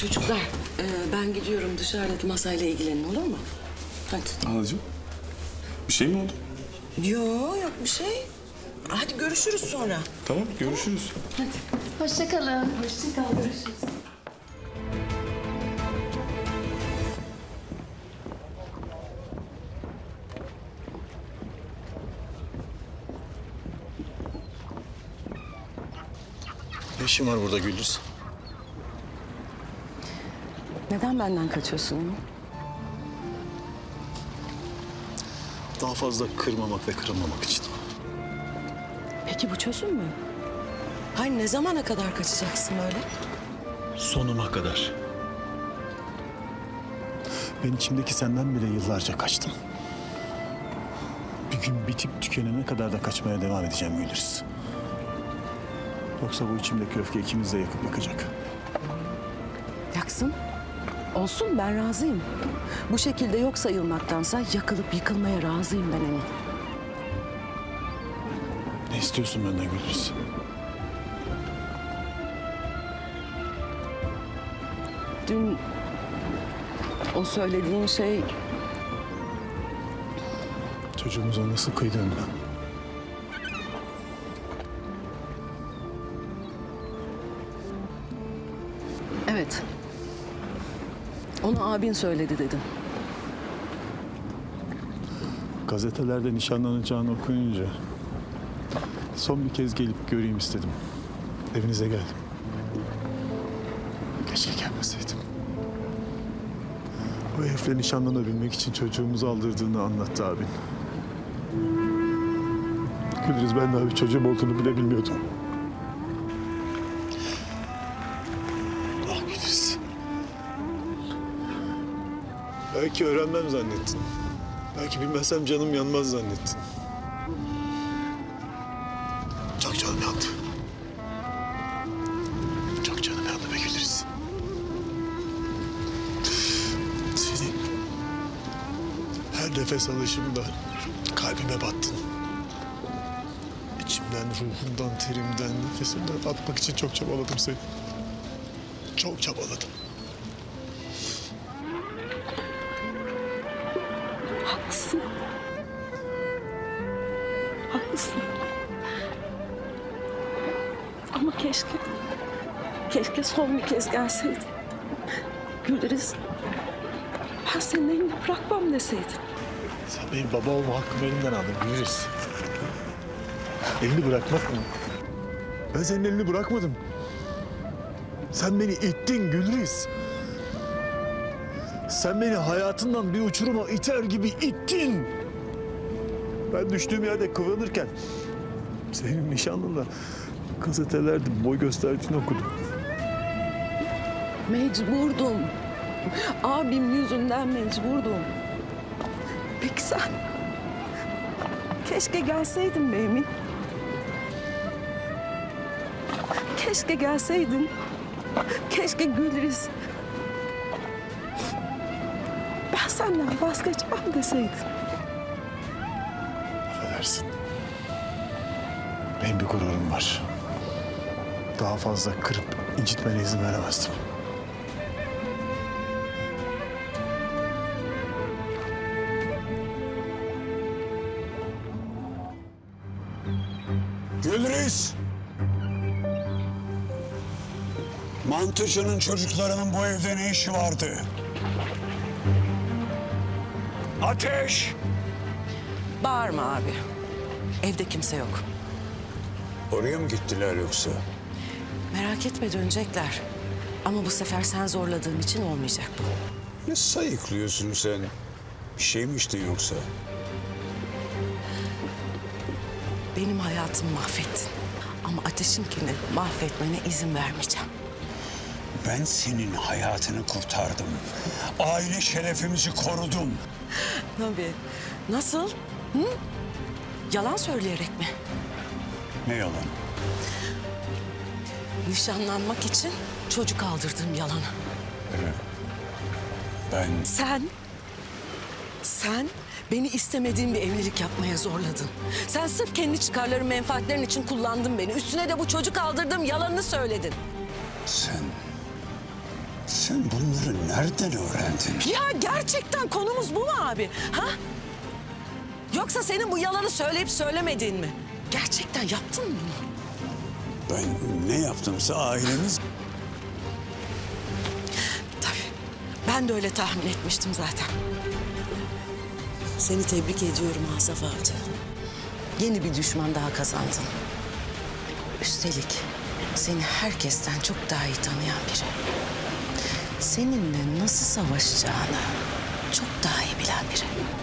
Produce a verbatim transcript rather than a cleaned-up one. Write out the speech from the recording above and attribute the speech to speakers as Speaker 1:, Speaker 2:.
Speaker 1: Çocuklar, e, ben gidiyorum. Dışarıdaki masayla ilgilenin, olur mu? Hadi.
Speaker 2: Halacığım, bir şey mi oldu?
Speaker 1: Yo, yok bir şey. Hadi görüşürüz sonra.
Speaker 2: Tamam, görüşürüz.
Speaker 1: Hadi.
Speaker 3: Hoşça kalın. Hoşça kal. Görüşürüz.
Speaker 4: Ne işin var burada Güldüz?
Speaker 1: Neden benden kaçıyorsun Emin?
Speaker 4: Daha fazla kırmamak ve kırılmamak için.
Speaker 1: Peki bu çözüm mü? Hayır, ne zamana kadar kaçacaksın böyle?
Speaker 4: Sonuma kadar. Ben içimdeki senden bile yıllarca kaçtım. Bir gün bitip tükenene kadar da kaçmaya devam edeceğim Güldüz. Yoksa bu içimdeki öfke ikimiz de yakıp yakacak.
Speaker 1: Yaksın. Olsun, ben razıyım. Bu şekilde yok sayılmaktansa yakılıp yıkılmaya razıyım ben Emin.
Speaker 4: Ne istiyorsun benden Güldüz?
Speaker 1: Dün o söylediğin şey
Speaker 4: Çocuğumuza nasıl kıydın ben?
Speaker 1: evet. Onu abin söyledi dedim.
Speaker 4: Gazetelerde nişanlanacağını okuyunca son bir kez gelip göreyim istedim. Evinize geldim. Keşke gelmeseydim. O herifle nişanlanabilmek için çocuğumuzu aldırdığını anlattı abin. Gülriz, ben daha bir çocuğum olduğunu bile bilmiyordum. Ah Gülriz. Belki öğrenmem zannettin. Belki bilmezsem canım yanmaz zannettin. Çok canım yandı. Çok canım yandı be Gülriz. Senin her nefes alışımda kalbime battın. İçimden, ruhumdan, terimden, nefesimden atmak için çok çabaladım seni. Çok çabaladım.
Speaker 1: Haklısın. Haklısın. Ama keşke, keşke son bir kez gelseydin. Güleriz. Ben senin elini bırakmam deseydin.
Speaker 4: Sen benim baba olma hakkımı elimden aldın Gülriz. Elini bırakmak mı? Ben senin elini bırakmadım. Sen beni ittin Gülriz. Sen beni hayatından bir uçuruma iter gibi ittin. Ben düştüğüm yerde kıvranırken senin nişanlınla gazetelerde boy gösterdiğini okudum.
Speaker 1: Mecburdum. Abim yüzünden mecburdum. Peki sen? Keşke gelseydin be Emin. Keşke gelseydin. Keşke Gülriz. Ben senden vazgeçmem deseydin.
Speaker 4: Affedersin. Benim bir gururum var. Daha fazla kırıp incitmene izin veremezdim.
Speaker 5: Gülriz! Mantıcının çocuklarının bu evde ne işi vardı? Ateş!
Speaker 1: Bağırma abi. Evde kimse yok.
Speaker 5: Oraya mı gittiler yoksa?
Speaker 1: Merak etme, dönecekler. Ama bu sefer sen zorladığın için olmayacak bu.
Speaker 5: Ne sayıklıyorsun sen? Bir şey mi içtin yoksa?
Speaker 1: Benim hayatımı mahvettin. Ama Ateş'inkini mahvetmene izin vermeyeceğim.
Speaker 5: Ben senin hayatını kurtardım. Aile şerefimizi korudum.
Speaker 1: Tabii. Nasıl? Hı? Yalan söyleyerek mi?
Speaker 5: Ne yalan?
Speaker 1: Nişanlanmak için çocuk aldırdığım yalanı.
Speaker 5: Evet. Ben
Speaker 1: Sen, sen beni istemediğim bir evlilik yapmaya zorladın. Sen sırf kendi çıkarların, menfaatlerin için kullandın beni. Üstüne de bu çocuk aldırdığım yalanını söyledin.
Speaker 5: sen Sen bunları nereden öğrendin?
Speaker 1: Ya gerçekten konumuz bu mu abi? Ha? Yoksa senin bu yalanı söyleyip söylemediğin mi? Gerçekten yaptın mı bunu?
Speaker 5: Ben ne yaptımsa ailemiz...
Speaker 1: Tabii. Ben de öyle tahmin etmiştim zaten. Seni tebrik ediyorum Asaf Avcı. Yeni bir düşman daha kazandın. Üstelik seni herkesten çok daha iyi tanıyan biri. Seninle nasıl savaşacağını çok daha iyi bilen biri.